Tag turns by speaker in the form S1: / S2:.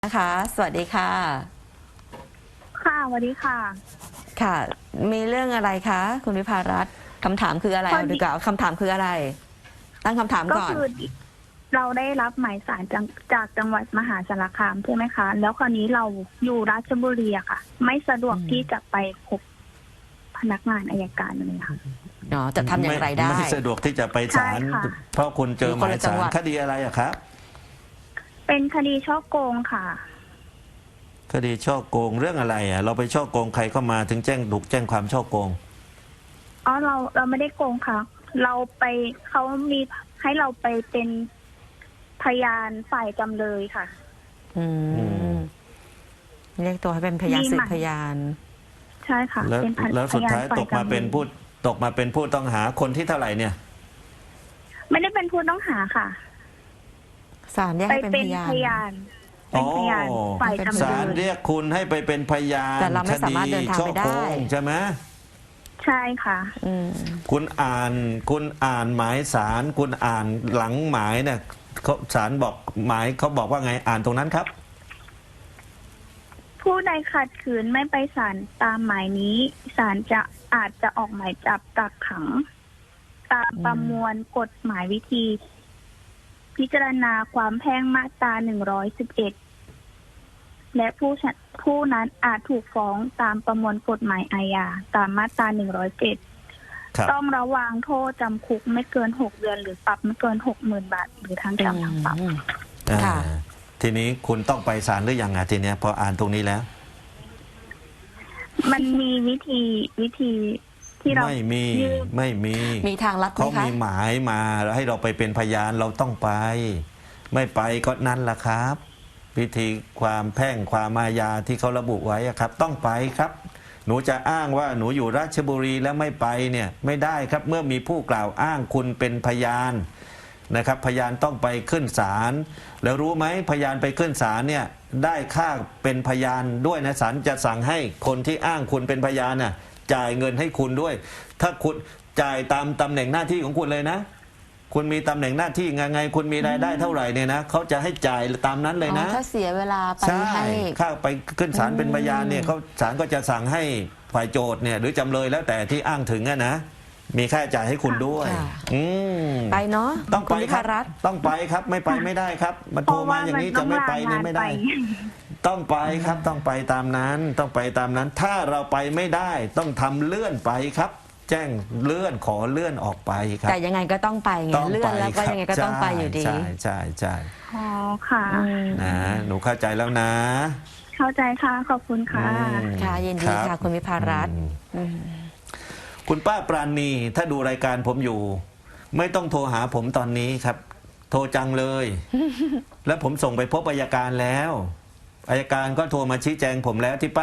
S1: นะคะสวัสดีค่ะ
S2: ค่ะสวัสดีค่ะ
S1: ค่ะ มีเรื่องอะไรคะคุณวิภารัตน์คำถามคืออะไรเอาดีกว่าคำถามคืออะไร ตั้งคำถาม
S2: ก็
S1: ก่อน
S2: คือเราได้รับหมายสารจากจังหวัดมหาสารคามใช่ไหมคะ แล้วคราวนี้เราอยู่ราชบุรีอะค่ะ ไม่สะดวกที่จะไปพบพนักงานอัยการเลยค่ะ
S1: เนาะจะทำอย่างไรได้
S3: ไม่สะดวกที่จะไปศาล
S2: ใช่ค่ะ
S3: เพราะคุณเจอหมาย
S1: จัง
S3: ศา
S1: ห
S3: ล
S1: วัด
S3: คดีอะไรอะครับ
S2: เป็นคดีช่อโกงค่ะ
S3: คดีช่อโกงเรื่องอะไรอะเราไปช่อโกงใครเข้ามาถึงถูกแจ้งความช่อโกง
S2: อ๋อเราไม่ได้โกงค่ะ เราไปเขามีให้เราไปเป็นพยานฝ่ายจำเลยค่ะ
S1: อืมเรียกตัวให้เป็นพยานสืบพยาน
S2: ใช่ค่ะ
S3: แล้ว
S2: เป็นพ
S3: แล้วสุดท้าย
S2: ฝ่
S3: ตกมาเป็นผู้ต้องหาคนที่เท่าไหร่เนี่ย
S2: ไม่ได้เป็นผู้ต้องหาค่ะ
S1: ศาลเรียก
S2: ไป
S1: ให้เป็น
S2: เป็น
S1: พยาน
S2: พยานเป็นพยานฝ่ายจำ
S3: ศาล
S2: เลย
S3: เรียกคุณให้ไปเป็นพยาน
S1: แต่เราไม่
S3: ค
S1: สา
S3: ดี
S1: มารถเดินทาง
S3: ช่อ
S1: ไปได้
S3: โกงใช่ไหม
S2: ใช่ค่ะ
S1: อืม
S3: คุณอ่านหมายศาลคุณอ่านหลังหมายเนี่ยศาลบอกหมายเขาบอกว่าไงอ่านตรงนั้นครับ
S2: ผู้ใดขัดขืนไม่ไปศาลตามหมายนี้ศาลอาจจะออกหมายจับกักขัง ตามประมวลกฎหมายวิธี พิจารณาความแพ่งมาตรา111และผู้นั้นอาจถูกฟ้องตามประมวลกฎหมายอาญาตามมาตรา107
S3: ครับ
S2: ต้องระวางโทษจำคุกไม่เกิน6 เดือนหรือปรับไม่เกิน 60,000 บาท หรือทั้งจำทั้งปรับ
S1: ค่ะ
S3: ทีนี้คุณต้องไปศาลหรือยังทีเนี้ยพออ่านตรงนี้แล้ว
S2: มันมีวิธีที่เรา
S3: ไม่มี
S2: ยื่น
S3: ไม่มี
S1: มีทางลัดไหม
S3: เขา
S1: คะ
S3: มีหมายมาแล้วให้เราไปเป็นพยานเราต้องไป ไม่ไปก็นั่นแหละครับ พิธีความแพ่งความอาญาที่เขาระบุไว้อะครับ ต้องไปครับ หนูจะอ้างว่าหนูอยู่ราชบุรีแล้วไม่ไปเนี่ยไม่ได้ครับเมื่อมีผู้กล่าวอ้างคุณเป็นพยานนะครับ พยานต้องไปขึ้นศาลแล้วรู้ไหมพยานไปขึ้นศาลเนี่ยได้ค่าเป็นพยานด้วยนะศาลจะสั่งให้คนที่อ้างคุณเป็นพยานน่ะจ่ายเงินให้คุณด้วย ถ้าคุณจ่ายตามตำแหน่งหน้าที่ของคุณเลยนะ คุณมีตำแหน่งหน้าที่ไงคุณมีรายได้เท่าไหร่เนี่ยนะเขาจะให้จ่ายตามนั้นเลยนะ
S1: ถ้าเสียเวลาไป
S3: ใช่
S1: ให้
S3: ข้าไปขึ้นศาลเป็นพยานเนี่ยเขาศาลก็จะสั่งให้ฝ่ายโจทย์เนี่ยหรือจำเลยแล้วแต่ที่อ้างถึงอะนะมีค่าใช้จ่ายให้คุณด้วย
S1: ค่ะ
S3: อืม
S1: ไปเนาะ
S3: ต้อง
S1: คุ
S3: ไป
S1: ณวิ
S3: ค
S1: ภา
S3: รับ
S1: รัตน์
S3: ต้องไปครับไม่ไปไม่ได้ครับมา
S2: เพ
S3: โทร
S2: ราะ
S3: มา
S2: ว่า
S3: อย่า
S2: มั
S3: ง
S2: น
S3: นี้
S2: ต้
S3: จะ
S2: อง
S3: ไม่
S2: ลา
S3: ไป
S2: งา
S3: เนี่ย
S2: น
S3: ไม่
S2: ไป
S3: ได้ ต้องไปครับต้องไปตามนั้นต้องไปตามนั้น ถ้าเราไปไม่ได้ต้องทำเลื่อนไปครับ แจ้งเลื่อนขอเลื่อนออกไปครับ
S1: แต่ยังไงก็ต้องไปไง
S3: ต้อง
S1: เลื่อนแล้วก็ยังไงก็ต้องไปอยู่ดี
S3: ใช่ใช่ใช่
S2: อ๋อค่ะ
S1: อืม
S3: นะหนูเข้าใจแล้วนะ
S2: เข้าใจค่ะขอบคุณค่ะ
S3: อืม
S1: ค่ะยินดี
S3: รับ
S1: ค่ะคุณวิภารัตน์
S3: อืมคุณป้าปราณีถ้าดูรายการผมอยู่ ไม่ต้องโทรหาผมตอนนี้ครับ โทรจังเลย แล้วผมส่งไปพบอัยการแล้วอัยการก็โทรมาชี้แจงผมแล้วที่ป้า